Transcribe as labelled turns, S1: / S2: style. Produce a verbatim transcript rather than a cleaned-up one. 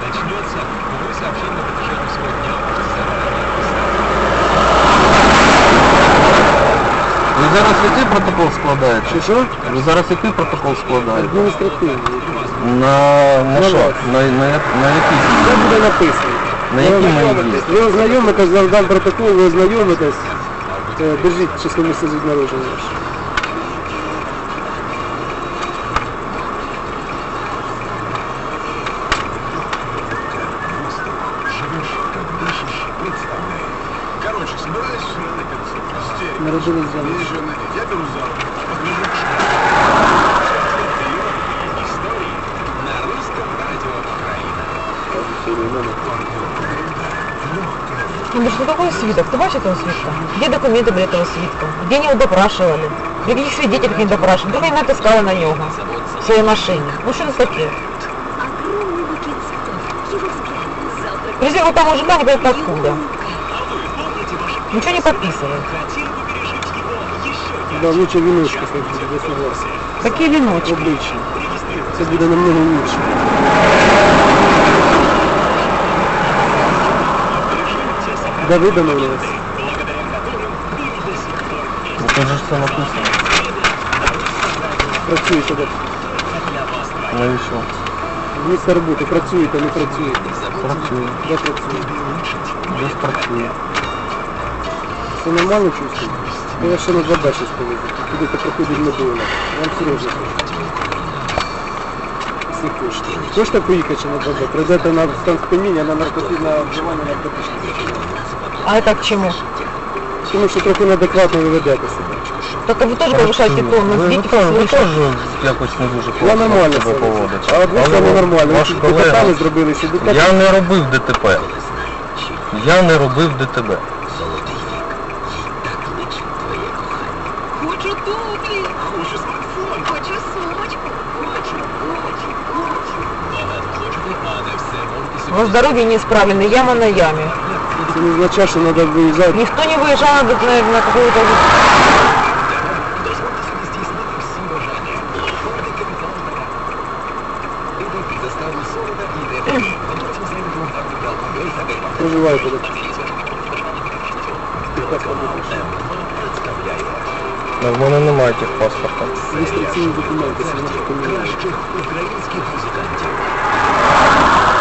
S1: начнется, увы, сообщение на протяжении всего дня можете заранее
S2: Ви зараз який протокол складаєте?
S3: Що, що?
S2: Ви зараз який протокол складаєте?
S3: Адміністративний.
S2: На, на
S3: На
S2: що?
S3: вас.
S2: На, на, на який
S3: Це
S2: дії?
S3: буде написано.
S2: На які мої дії?
S3: Ви ознайомитесь, я дам протокол, ви ознайомитесь. Е, Держіть число місця від народження ваше.
S1: живешь, как дышишь, представляй. Короче, собираюсь на концерт.
S3: Народились за
S1: Мне еще надеть. Я беру за руку. Подвижу к школе. Истории на русском радио Украина.
S4: Ну, что такое свиток? Ты бачишь этого свитка? Где документы для этого свитка? Где они его допрашивали? При каких свидетелях не допрашивали? Только они натискали на него в своей машине. Ну что это такое?
S5: Огромный букет цветов, его взгляд, завтрак.
S4: Друзья, вот там мужика непонятно откуда. Ничего не подписывает.
S3: Да, лучше віночки сходити, я согласен.
S4: Какие веночки?
S3: Обично. Це буде намного лучше. Да ви домовились?
S2: Ну, тут же ж все написано.
S3: Працюєте, так?
S2: Навіщо?
S3: Місце роботи, працюєте, не працюєте.
S2: Працює.
S3: Де працюєте?
S2: Десь працює.
S3: Це нормально чувствуєте? Я вас ще на два Б щось повезу. Будете проходити недовго. Вам серйозно кажу. Всі кошти. Хочете поїхати ще на два Б? Прийдете на стан сп'яніння, на наркотичне вживання наркотичних речовин.
S4: А это к чему?
S3: Тому що трохи неадекватно ви ведете себе.
S4: Так вы тоже повышаете тон, но
S2: Ви, ви,
S4: видите,
S2: теж- ви
S4: вы
S2: теж
S4: тоже...
S2: якось не дуже
S3: Я
S2: класно
S3: нормально
S2: себе
S3: себе
S2: поводите.
S3: А от ви
S2: Але
S3: саме нормально.
S2: Ваш
S3: Ви ДТП
S2: колега,
S3: не зробили, що ДТП.
S2: я не робив ДТП. Я не робив ДТП.
S5: Хочу туфли,
S1: Хочу смартфон.
S5: хочу сумочку.
S1: Хочу, хочу, хочу. Багатоложний, а не все можете
S4: У вас дороги неисправлены, яма на яме.
S3: Це не означає, що треба виїжджати.
S4: Никто не выезжал на, на, на какую-то...
S1: Дозвольте собі здійснити всі бажання. Гордий капітал Б. Ідете заставу солода і йдете. А потім знайдете гарний алкоголь та пиво.
S3: Проживаєте так.
S2: Ну, в мене немає тих паспорта.
S3: Реєстраційні документи, це наші поміняли.
S1: Кращих українських музикантів.